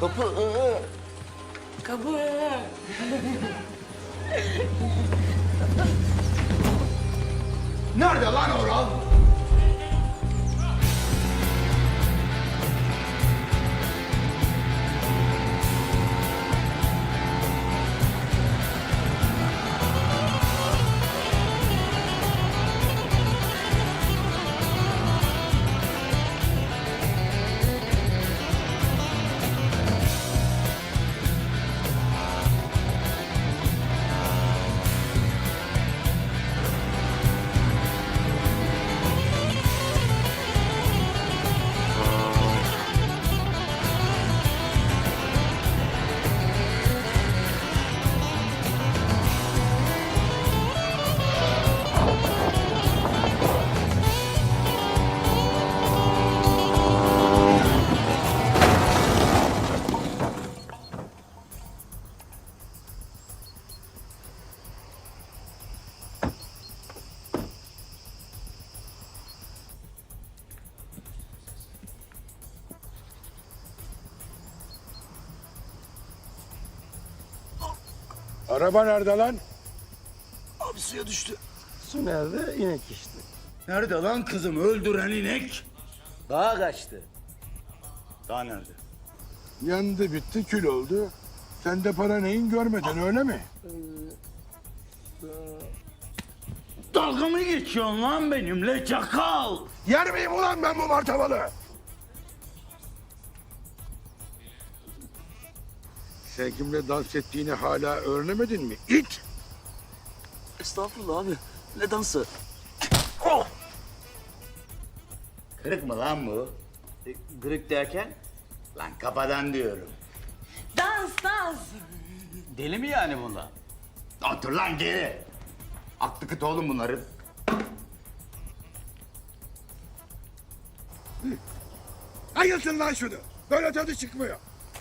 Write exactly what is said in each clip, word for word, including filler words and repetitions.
Kapı. Aa. Kapı. Nerede lan Oral? Araba nerede lan? Abi suya düştü. Su nerede? İnek işte. Nerede lan kızım öldüren inek? Dağa kaçtı. Daha nerede? Yandı bitti kül oldu. Sen de para neyin görmedin öyle mi? Dalga mı geçiyorsun lan benimle çakal? Yer miyim ulan ben bu martabalı? Sen kimle dans ettiğini hala öğrenemedin mi? İt! Estağfurullah abi. Ne dansı? Kırık mı lan bu? E, Gırık derken? Lan kafadan diyorum. Dans, dans. Deli mi yani bunlar? Otur lan geri. Aklı kıt oğlum bunların. Ayılsın lan şunu. Böyle tadı çıkmıyor.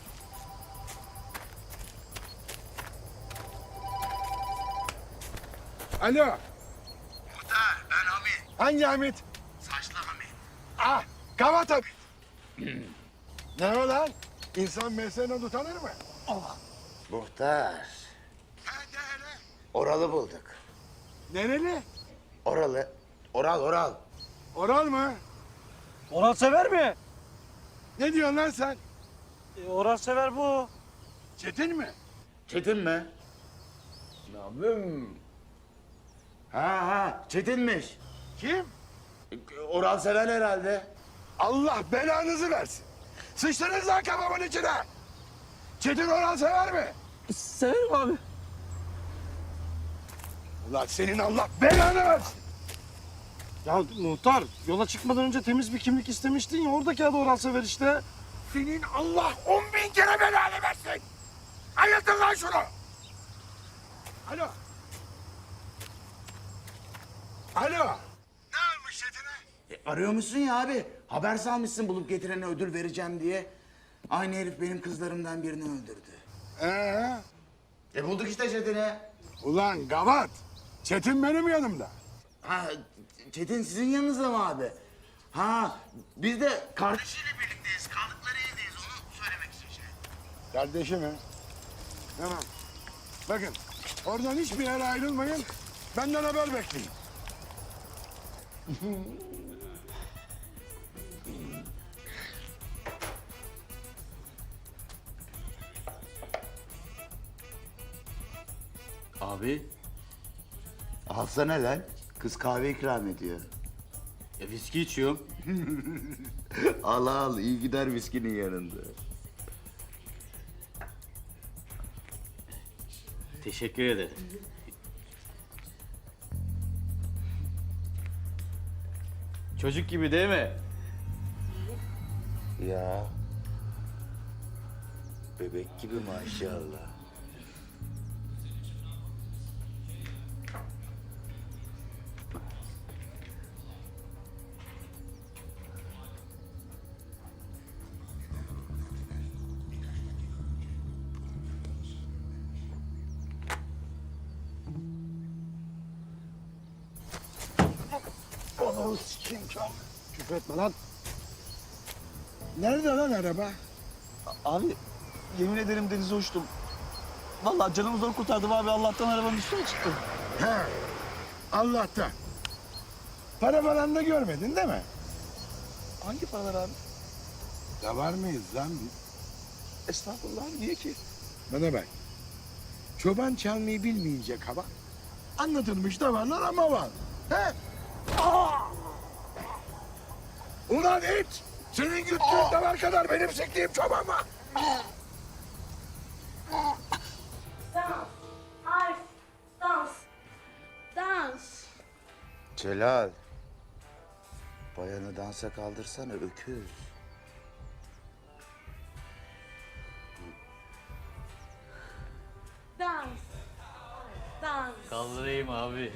Alo. Muhtar ben Hamit. Hangi Hamit? Saçlı Hamit. Ah, Kavat Hamit. Ne o lan? İnsan mesleğinden utanır mı? Muhtar. Oral'ı bulduk. Nereli? Oral'ı. Oral Oral. Oral mı? Orhan Sever mi? Ne diyorsun lan sen? E, Orhan Sever bu. Çetin mi? Çetin mi? Namım. Ha ha Çetin'miş. Kim? Oral sever herhalde. Allah belanızı versin. Sıçtınız lan kafamın içine. Çetin Oral sever mi? Severim abi. Ulan senin Allah belanı versin. Ya muhtar, yola çıkmadan önce temiz bir kimlik istemiştin ya, oradaki adı Orhan Sever işte. Senin Allah on bin kere belanı versin. Ayıltın lan şunu. Alo. Alo. Ne olmuş Çetin'e? E, arıyor musun ya abi? Haber salmışsın bulup getirene ödül vereceğim diye. Aynı herif benim kızlarımdan birini öldürdü. Ee? E bulduk işte Çetin'i. Ulan gavat. Çetin benim yanımda. Ha Çetin sizin yanınızda mı abi? Ha biz de kardeşiyle birlikteyiz. Kaldıkları evdeyiz. Onu söylemek için şey. Kardeşim mi? Tamam. Bakın oradan hiçbir yere ayrılmayın. Benden haber bekleyin. Abi. Alsana lan. Kız kahve ikram ediyor. E, viski içiyorum. Al al iyi gider viskinin yanında. Teşekkür ederim. Çocuk gibi değil mi? Ya. Bebek gibi maşallah. Ananı sikeyim Kamil. Küfür etme lan. Nerede lan araba? Abi yemin ederim denize uçtum. Vallahi canımı zor kurtardım abi. Allah'tan arabanın üstüne çıktım. He. Allah'tan. Para falan da görmedin değil mi? Hangi paralar abi? Da var mıyız lan biz? Estağfurullah abi, niye ki? Bana bak. Çoban çalmayı bilmeyince kaba. Anlatılmış da varlar ama var. He? Ulan it! Senin güttüğün davar kadar benim siktiğim çoban var. Dans. Arf. Dans. Dans. Celal. Bayanı dansa kaldırsana öküz. Dans. Dans. Kaldırayım abi.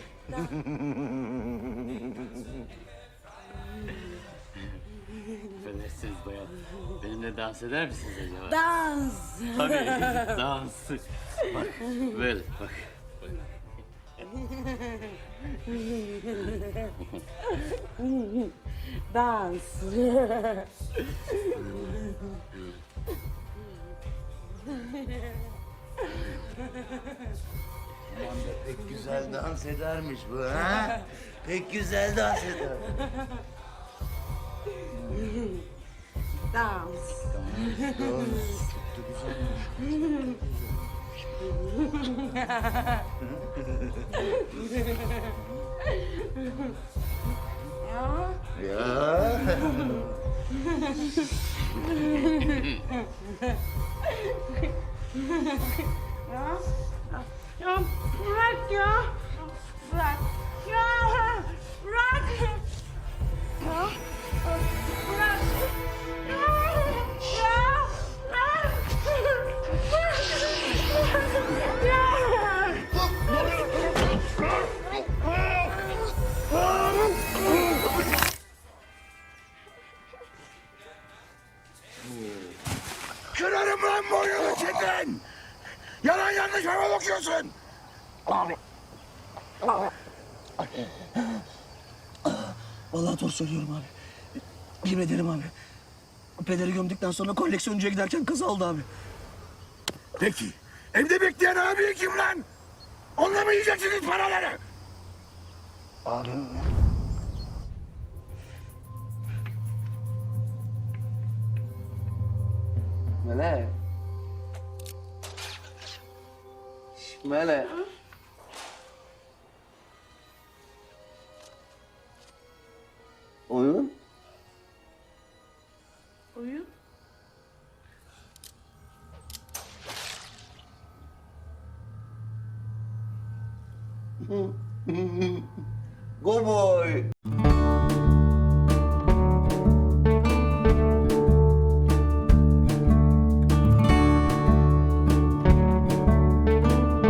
Affedersiniz bayan. Benimle dans eder misiniz acaba? Dans. Tabii. Dans. Bak böyle bak. Bak. Dans. Aman da pek güzel dans edermiş bu ha. Pek güzel dans eder. Dans. Ya. Ya. Ya. Ya bırak ya. Bırak. Ya bırak. Ya bırak. Ya. Ya. Ya. Kırarım lan boynunu Çetin! Yalan yanlış hava bakıyorsun! Vallahi doğru söylüyorum abi. Yemin ederim abi. Pederi gömdükten sonra koleksiyoncuya giderken kaza oldu abi. Peki, evde bekleyen abi kim lan? Onunla mı yiyeceksiniz paraları? Mele. Şş, Mele. Oyun? Oyun. Go boy.